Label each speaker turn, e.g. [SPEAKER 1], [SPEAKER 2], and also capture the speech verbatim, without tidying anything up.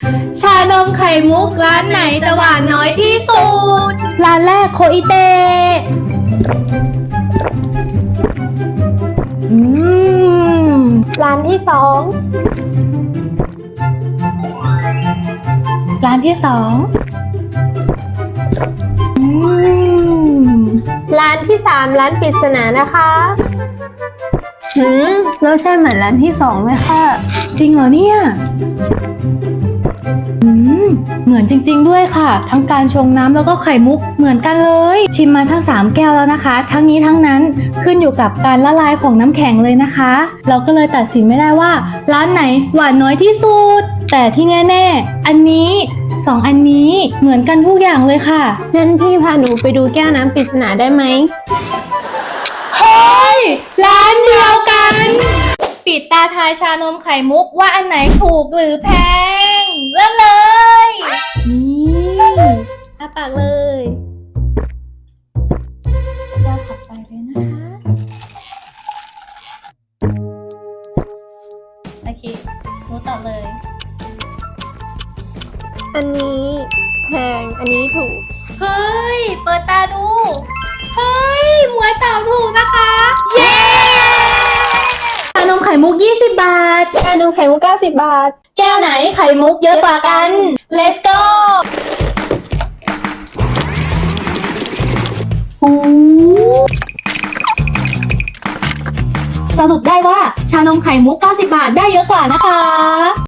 [SPEAKER 1] ชานมไข่มุกร้านไหนจะหวานน้อยที่สุดร้านแรกโคอิเตะอืม
[SPEAKER 2] ร้านที่สอง
[SPEAKER 1] ร้านที่สองอืม
[SPEAKER 2] ร้านที่สามร้านปริศนานะคะหืมแล้วใช่เหมือนร้านที่สองไหมคะ
[SPEAKER 1] จริงเหรอเนี่ยอืมเหมือนจริงๆด้วยค่ะ ทั้งการชงน้ำแล้วก็ไข่มุกเหมือนกันเลย ชิมมาทั้งสามแก้วแล้วนะคะ ทั้งนี้ทั้งนั้นขึ้นอยู่กับการละลายของน้ำแข็งเลยนะคะ เราก็เลยตัดสินไม่ได้ว่าร้านไหนหวานน้อยที่สุด แต่ที่แน่ๆอันนี้สองอันนี้เหมือนกันทุกอย่างเลยค่ะ
[SPEAKER 2] งั้นพี่พาหนูไปดูแก้วน้ำปริศนาได้ไหม
[SPEAKER 1] เฮ้ยร้านเดียวกัน ปิดตาทายชานมไข่มุกว่าอันไหนถูกหรือแพง เริ่มเลย นี่อาปากเลยแก้วถัดไปเลยนะคะโอเครู้ตอบเลย
[SPEAKER 2] อันนี้แพงอันนี้ถูก
[SPEAKER 1] เฮ้ย เปิดตาดู เฮ้ยหมวยตอบถูกนะคะ เย้ชานมไข่มุกยี่สิบบาท
[SPEAKER 2] ชานมไข่มุกเก้าสิบบาท
[SPEAKER 1] แก้วไหนไข่มุกเยอะกว่ากัน Let's go สรุปได้ว่าชานมไข่มุกเก้าสิบบาทได้เยอะกว่านะคะ